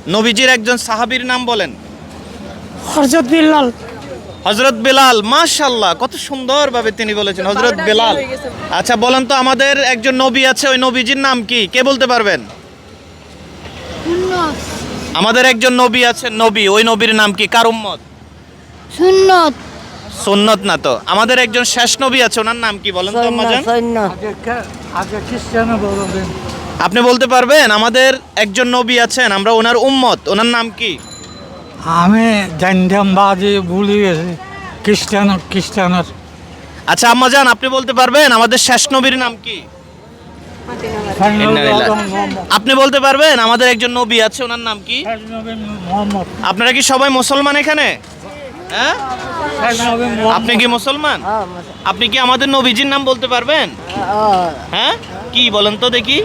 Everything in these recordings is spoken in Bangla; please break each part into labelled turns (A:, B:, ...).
A: নবীজির একজন সাহাবীর নাম বলেন।
B: হযরত বিল্লাল।
A: হযরত বেলাল, মাশাআল্লাহ, কত সুন্দরভাবে তিনি বলেছেন হযরত বেলাল। আচ্ছা বলেন তো, আমাদের একজন নবী আছে, ওই নবীজির নাম কি? কে বলতে পারবেন?
B: সুন্নত।
A: আমাদের একজন নবী আছে, নবী, ওই নবীর নাম কি? কার উম্মত?
B: সুন্নত।
A: সুন্নত না তো। আমাদের একজন শেষ নবী আছে, ওনার নাম কি বলেন তো আম্মাজান?
C: আগে খ্রিস্টানে বলবেন।
A: আপনি বলতে পারবেন? আমাদের একজন নবী আছেন, আমরা ওনার উম্মত, ওনার নাম কি?
C: আমি জানতাম বাজে ভুলে গেছি। খ্রিস্টানের
A: আচ্ছা আম্মাজান, আপনি বলতে পারবেন আমাদের শেষ নবীর নাম কি? আপনি বলতে পারবেন আমাদের একজন নবী আছে, ওনার নাম কি?
C: মোহাম্মদ।
A: আপনারা কি সবাই মুসলমান এখানে? হ্যাঁ, আপনি কি মুসলমান? আপনি কি আমাদের নবীজির নাম বলতে পারবেন? হ্যাঁ, কি বলেন তো দেখি?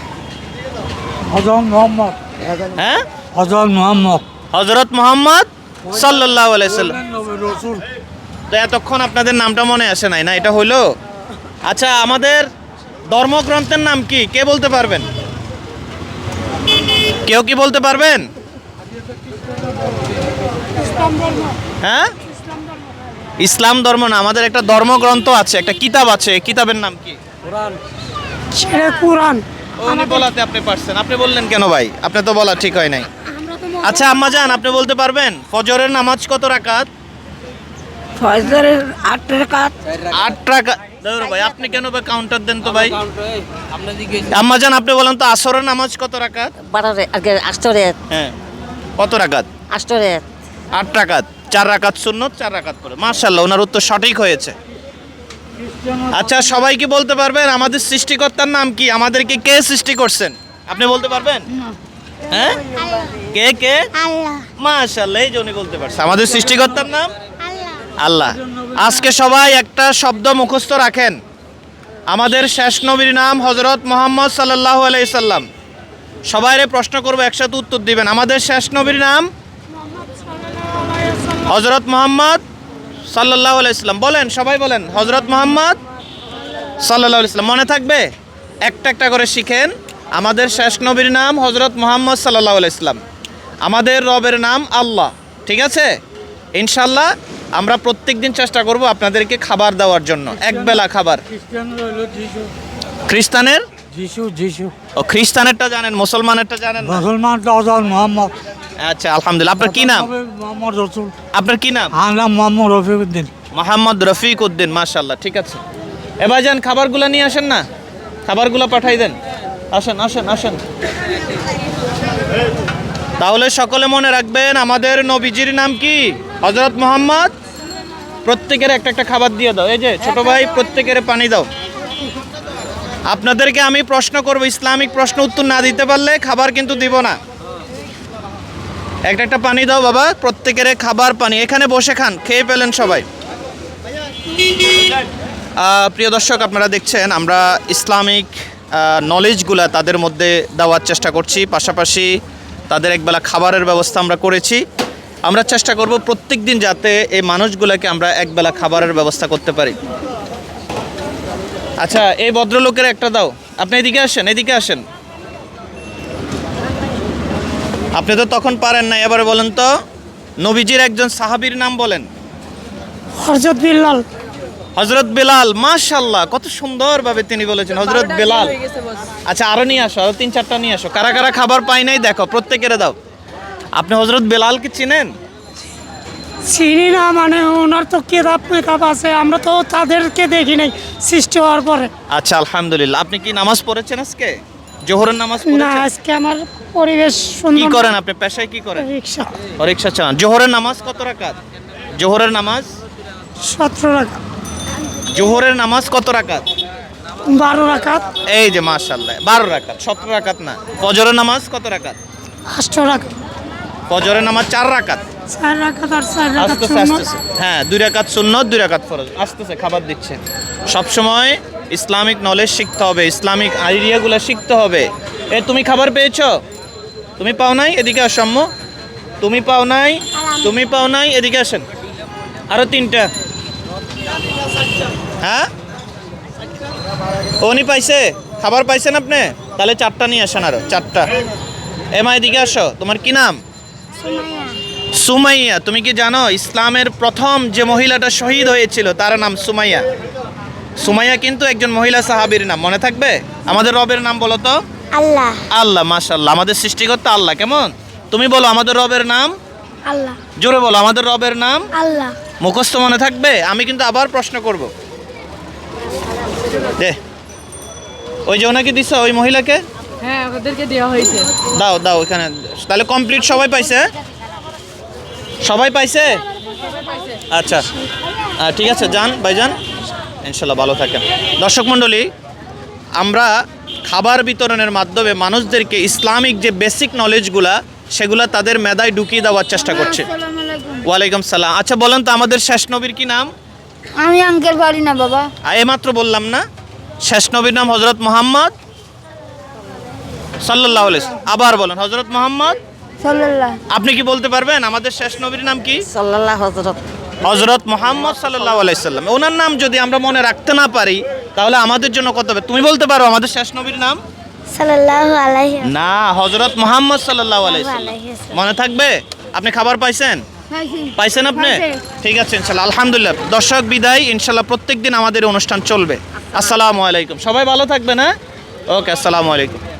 C: হযরত মোহাম্মদ।
A: হ্যাঁ,
C: হযরত মোহাম্মদ
A: হযরত মুহাম্মদ সাল্লাল্লাহু আলাইহি সাল্লাম।
C: রাসূল।
A: তো এতক্ষণ আপনাদের নামটা মনে আসে নাই না? এটা হইলো। আচ্ছা, আমাদের ধর্মগ্রন্থের নাম কি? কে বলতে পারবেন? কেউ কি বলতে পারবেন? হ্যাঁ, ইসলাম ধর্ম না, আমাদের একটা ধর্মগ্রন্থ আছে, একটা কিতাব আছে, এই কিতাবের নাম কি?
B: সেটা কুরআন।
A: উনি বলাতে আপনি পারছেন, আপনি বললেন কেন ভাই? আপনি তো বলা ঠিক হয় নাই। আচ্ছা আম্মাজান, আপনি বলতে পারবেন ফজরের নামাজ কত রাকাত?
B: ফজরের 8 রাকাত।
A: 8 রাকাত। দাঁড়াও ভাই, আপনি কেন ভাই কাউন্টার দেন তো ভাই? আম্মাজান, আপনি বলেন তো আসরের নামাজ কত রাকাত?
B: 12 আগে 8
A: হ্যাঁ, কত রাকাত?
B: 8
A: 8 রাকাত। 4 রাকাত সুন্নত, 4 রাকাত করে। মাশাআল্লাহ, ওনার উত্তর সঠিক হয়েছে। আচ্ছা, সবাই কি বলতে পারবেন আমাদের সৃষ্টিকর্তার নাম কি? আমাদেরকে কে সৃষ্টি করছেন? আপনি বলতে পারবেন? হ্যাঁ, কে কে?
B: আল্লাহ।
A: মাশাআল্লাহ, এই যে উনি বলতে পারছে আমাদের সৃষ্টিকর্তার নাম আল্লাহ। আজকে সবাই একটা শব্দ মুখস্থ রাখেন, আমাদের শেষ নবীর নাম হযরত মুহাম্মদ সাল্লাল্লাহু আলাইহি সাল্লাম। সবাইরে প্রশ্ন করব, একসাথে উত্তর দিবেন। আমাদের শেষ নবীর নাম হযরত মুহাম্মদ সাল্লাল্লাহু আলাইহি সাল্লাম। বলেন, সবাই বলেন হযরত মুহাম্মদ সাল্লাল্লাহু আলাইহি সাল্লাম। মনে থাকবে? একটা একটা করে শিখেন। আমাদের শেষ নবীর নাম হযরত মুহাম্মদ সাল্লাল্লাহু আলাইহি সাল্লাম। আমাদের রবের নাম আল্লাহ। ঠিক আছে? ইনশাআল্লাহ আমরা প্রত্যেকদিন চেষ্টা করব আপনাদেরকে খাবার দেওয়ার জন্য, একবেলা খাবার।
C: খ্রিস্টানের হলো যিশু।
A: খ্রিস্টানের?
C: যিশু।
A: ও, খ্রিস্টানেরটা জানেন, মুসলমানেরটা জানেন না?
C: মুসলমান হযরত মোহাম্মদ।
A: আচ্ছা, আলহামদুলিল্লাহ। আপনার কি নাম?
C: মোহাম্মদ রাসূল।
A: আপনার কি নাম?
C: আমার নাম মোহাম্মদ রফিকুদ্দিন।
A: মোহাম্মদ রফিক উদ্দিন। মাশাআল্লাহ, ঠিক আছে। এবার যান, খাবারগুলো নিয়ে আসেন না, খাবারগুলো পাঠাই দেন। আসেন আসেন আসেন। তাহলে সকলে মনে রাখবেন আমাদের নবীজির নাম কি? হযরত মুহাম্মদ। প্রত্যেকের একটা একটা খাবার দিয়ে দাও। এই যে ছোট ভাই, প্রত্যেকের পানি দাও। আপনাদেরকে আমি প্রশ্ন করব, ইসলামিক প্রশ্ন উত্তর না দিতে পারলে খাবার কিন্তু দিব না। একটা একটা পানি দাও বাবা, প্রত্যেকের খাবার পানি। এখানে বসে খান, খেয়ে পেলেন সবাই। প্রিয় দর্শক, আপনারা দেখছেন আমরা ইসলামিক নলেজগুলা তাদের মধ্যে দেওয়ার চেষ্টা করছি, পাশাপাশি তাদের একবেলা খাবারের ব্যবস্থা আমরা করেছি। আমরা চেষ্টা করব প্রত্যেক দিন যাতে এই মানুষগুলোকে আমরা একবেলা খাবারের ব্যবস্থা করতে পারি। আচ্ছা, এই ভদ্রলোকের একটা দাও। আপনি এদিকে আসেন, এদিকে আসেন। আপনি তো তখন পারেন না, এবারে বলেন তো নবীজির একজন সাহাবীর নাম বলেন।
B: হযরত বিল্লাল।
A: হযরত বেলাল, মাশাআল্লাহ, কত সুন্দরভাবে তিনি বলেছেন হযরত বেলাল। আচ্ছা, আরো নিয়ে আসো, আরো 3-4টা নিয়ে আসো। কারা কারা খাবার পাই নাই দেখো, প্রত্যেকেরে দাও। আপনি হযরত বেলালকে চিনেন?
B: চিনি না, মানে ওনার তো কিতাব আছে, আমরা তো তাদেরকে দেখি নাই সৃষ্টি হওয়ার পরে।
A: আচ্ছা, আলহামদুলিল্লাহ। আপনি কি নামাজ পড়েছেন আজকে? জোহরের নামাজ
B: না,
A: পড়েছেন?
B: আজকে আমার পরিবেশ
A: কি
B: সুন্দর।
A: করেন আপনি? পেশায় কি করেন?
B: রিকশা।
A: রিকশা চালান। জোহরের নামাজ কত রাকাত? জোহরের নামাজ
B: 17 রাকাত।
A: জোহরের নামাজ কত রাকাত?
B: 12 রাকাত।
A: এই যে মাশাআল্লাহ, 12 রাকাত, 17 রাকাত না। ফজরের নামাজ কত রাকাত?
B: 8 রাকাত।
A: ফজরের নামাজ 4 রাকাত।
B: 4 রাকাত আর 4 রাকাত
A: আসতেছে
B: সুন্নত।
A: আসতেছে। হ্যাঁ, 2 রাকাত সুন্নত, 2 রাকাত ফরজ। আসতেছে, খাবার দিচ্ছে। সবসময় ইসলামিক নলেজ শিখতে হবে, ইসলামিক আইডিয়াগুলো শিখতে হবে। তুমি খাবার পেয়েছো? তুমি পাও নাই? এদিকে আসো আম্মু। তুমি পাও নাই? তুমি পাও নাই? এদিকে আসেন। আরো 3টা। হ্যাঁ, উনি পাইছে? খাবার পাইছেন আপনি? তাহলে 4টা নিয়ে আসেন, আরো 4টা। এমা এদিকে আসো, তোমার কি নাম? সুমাইয়া। তুমি কি জানো ইসলামের প্রথম যে মহিলাটা শহীদ হয়েছিল তার নাম সুমাইয়া? সুমাইয়া কিন্তু একজন মহিলা সাহাবীর নাম, মনে থাকবে? আমাদের রবের নাম বলো তো।
D: আল্লাহ।
A: আল্লাহ, মাশাআল্লাহ, আমাদের সৃষ্টিকর্তা আল্লাহ। কেমন? তুমি বলো আমাদের রবের নাম।
D: আল্লাহ।
A: জোরে বলো আমাদের রবের নাম।
D: আল্লাহ।
A: মুখস্থ মনে থাকবে? আমি কিন্তু আবার প্রশ্ন করব। দে, ওই যে ওনাকে দিছো, ওই মহিলাকে
E: হ্যাঁ ওদেরকে দেওয়া হয়েছে।
A: দাও দাও ওইখানে। তাহলে কমপ্লিট সবাই পাইছে? সবাই পাইছে? আচ্ছা, ঠিক আছে, যান ভাইজান, ইনশাল্লাহ ভালো থাকেন। দর্শক মণ্ডলী, আমরা খাবার বিতরণের মাধ্যমে মানুষদেরকে ইসলামিক যে বেসিক নলেজগুলা সেগুলা তাদের মেধায় ঢুকিয়ে দেওয়ার চেষ্টা করছে। ওয়ালাইকুম সালাম। আচ্ছা বলেন তো আমাদের শেষ নবীর কি নাম?
D: আমি আঙ্কেল পারি না বাবা।
A: এইমাত্র বললাম না, শেষ নবীর নাম হযরত মুহাম্মদ সাল্লাল্লাহু আলাইহি ওয়াসাল্লাম। আবার বলেন হযরত মুহাম্মদ।
D: সাল্লাল্লাহ।
A: আপনি কি বলতে পারবেন আমাদের শেষ নবীর নাম কি?
E: সাল্লাল্লাহু হযরত
A: হযরত মুহাম্মদ সাল্লাল্লাহু আলাইহি সাল্লাম। ওনার নাম যদি আমরা মনে রাখতে না পারি তাহলে আমাদের জন্য কত হবে? তুমি বলতে পারো আমাদের শেষ নবীর নাম?
D: সাল্লাল্লাহু আলাইহি
A: না, হযরত মুহাম্মদ সাল্লাল্লাহু আলাইহি সাল্লাম। মনে থাকবে? আপনি খাবার পাইছেন? পাইছেন আপনি? ঠিক আছে ইনশাআল্লাহ, আলহামদুলিল্লাহ। দর্শক বিদায়, ইনশাআল্লাহ প্রত্যেকদিন আমাদের এই অনুষ্ঠান চলবে। আসসালামু আলাইকুম। সবাই ভালো থাকবেন, হ্যাঁ? ওকে, আসসালামু আলাইকুম।